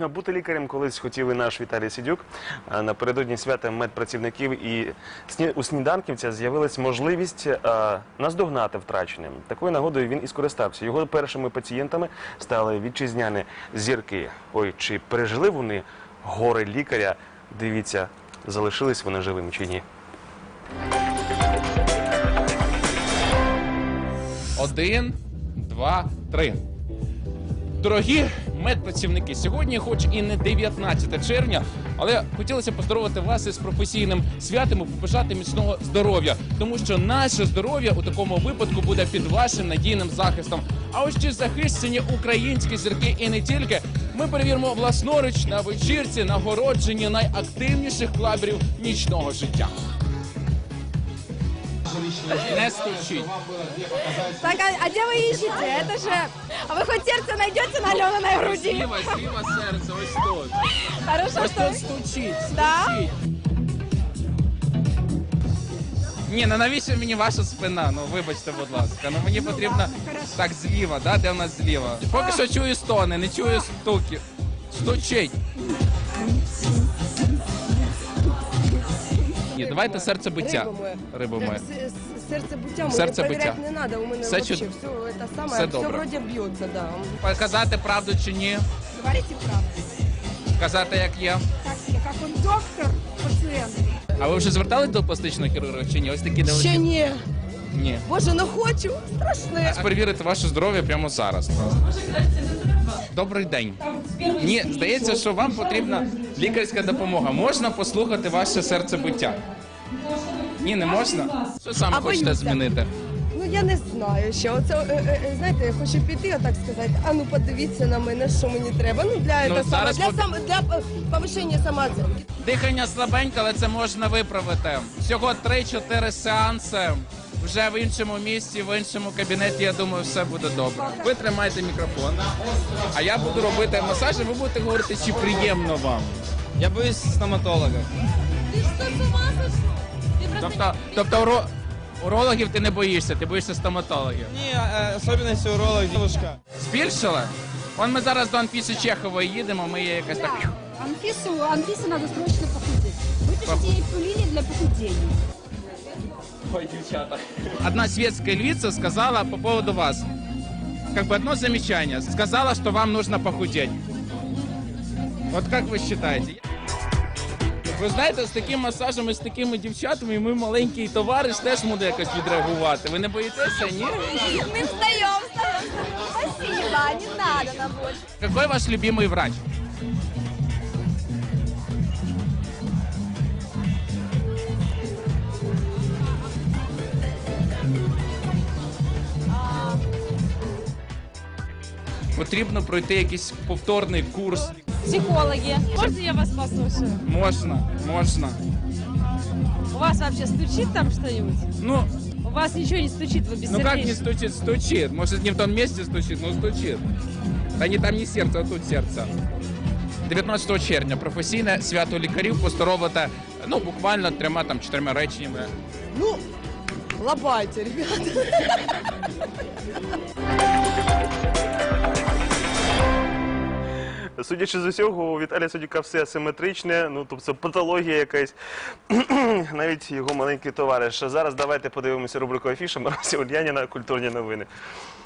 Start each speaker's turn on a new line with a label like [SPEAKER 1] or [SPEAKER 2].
[SPEAKER 1] Бути лікарем колись хотів і наш Віталій Сидюк. Напередодні свята медпрацівників і у сніданківця з'явилась можливість наздогнати втрачене. Такою нагодою він і скористався. Його першими пацієнтами стали вітчизняні зірки. Ой, чи пережили вони горе лікаря? Дивіться, залишились вони живими чи ні.
[SPEAKER 2] 1, 2, 3. Дорогі медпрацівники, сьогодні, хоч і не 19 червня, але хотілося поздоровити вас із професійним святом і побажати міцного здоров'я. Тому що наше здоров'я у такому випадку буде під вашим надійним захистом. А ось чи захищені українські зірки і не тільки, ми перевіримо власноруч на вечірці нагородження найактивніших клаберів нічного життя. Не стучить.
[SPEAKER 3] Так, а где вы ищете? Это же... А вы хоть сердце найдете на Алениной груди?
[SPEAKER 2] Зліва серце, ось тут.
[SPEAKER 3] Хорошо,
[SPEAKER 2] Ось
[SPEAKER 3] что...
[SPEAKER 2] тут стучить.
[SPEAKER 3] Да?
[SPEAKER 2] Ні, ну навіщо мені ваша спина? Ну вибачте, будь ласка. Ну мені потрібно так зліва, да? Де в нас зліва? Поки що чую стони, не чую стуки. Стучить. Ні, давайте серцебиття. Рибу моє.
[SPEAKER 3] Серцебиття
[SPEAKER 2] Серцебиття.
[SPEAKER 3] не надо, у мене
[SPEAKER 2] Все
[SPEAKER 3] вообще
[SPEAKER 2] чудо.
[SPEAKER 3] все это самое,
[SPEAKER 2] Все
[SPEAKER 3] все
[SPEAKER 2] добре.
[SPEAKER 3] вроде бьется, да.
[SPEAKER 2] Казати правду чи ні?
[SPEAKER 3] Говорите правду.
[SPEAKER 2] Казати як є.
[SPEAKER 3] Как он доктор, пациент.
[SPEAKER 2] А ви вже звертались до пластичного хірурга чи ні? Ось такі
[SPEAKER 3] Ще
[SPEAKER 2] невеликі.
[SPEAKER 3] ні.
[SPEAKER 2] Ні.
[SPEAKER 3] Боже, ну хочу, страшне.
[SPEAKER 2] Перевірити ваше здоров'я прямо зараз. Добрий день. Ні, здається, що вам потрібна лікарська допомога. Можна послухати ваше серцебиття? Ні, не можна? Що саме
[SPEAKER 3] А
[SPEAKER 2] хочете
[SPEAKER 3] боюся.
[SPEAKER 2] змінити?
[SPEAKER 3] Ну я не знаю ще. Оце, знаєте, я хочу піти, отак сказати, а ну подивіться на мене, що мені треба. Ну для,
[SPEAKER 2] Ну,
[SPEAKER 3] це саме,
[SPEAKER 2] зараз
[SPEAKER 3] для повищення самооцінки.
[SPEAKER 2] Дихання слабеньке, але це можна виправити. Всього 3-4 сеанси. Вже в іншому місці, в іншому кабінеті, я думаю, все буде добре. Ви тримайте мікрофон, а я буду робити масаж, і ви будете говорити, чи приємно вам.
[SPEAKER 4] Я боюсь стоматолога.
[SPEAKER 2] Тобто урологів ти не боїшся, ти боїшся стоматологів.
[SPEAKER 4] Ні, особливості уролога дівчинка.
[SPEAKER 2] Збільшили? Вон ми зараз до Анфіси Чехової їдемо, ми є якась так...
[SPEAKER 5] Анфисе надо срочно похудеть. Выпишите ей пилили для похудения.
[SPEAKER 2] Ой, девчата. Одна светская львица сказала по поводу вас, как бы одно замечание, сказала, что вам нужно похудеть. Вот как вы считаете? Ви знаєте, з таким масажем і з такими дівчатами, ми маленький товариш теж буде якось відреагувати. Ви не боїтеся, ні?
[SPEAKER 3] Ми встаємо. Спасибо, не надо нам больше.
[SPEAKER 2] Какой ваш любимый врач? Потрібно пройти якийсь повторний курс.
[SPEAKER 5] Психологи. Можно я вас послушаю?
[SPEAKER 2] Можна.
[SPEAKER 5] У вас вообще стучит там что-нибудь?
[SPEAKER 2] Ну,
[SPEAKER 5] У вас ничего не стучит, вы
[SPEAKER 2] ну как не
[SPEAKER 5] бессердечны.
[SPEAKER 2] стучит? Стучит. Может, не в том месте стучит, но стучит. Та не там не серце, а тут серце. 19 червня професійне свято лікарів поздоровити, ну, буквально 3-4 реченнями.
[SPEAKER 3] Ну, лобайте, ребята.
[SPEAKER 1] Судячи з усього, у Віталія Сидюка все асиметричне, ну, тобто патологія якась, навіть його маленький товариш. Зараз давайте подивимося рубрику «Афіша» Марусі Ульяніна «Культурні новини».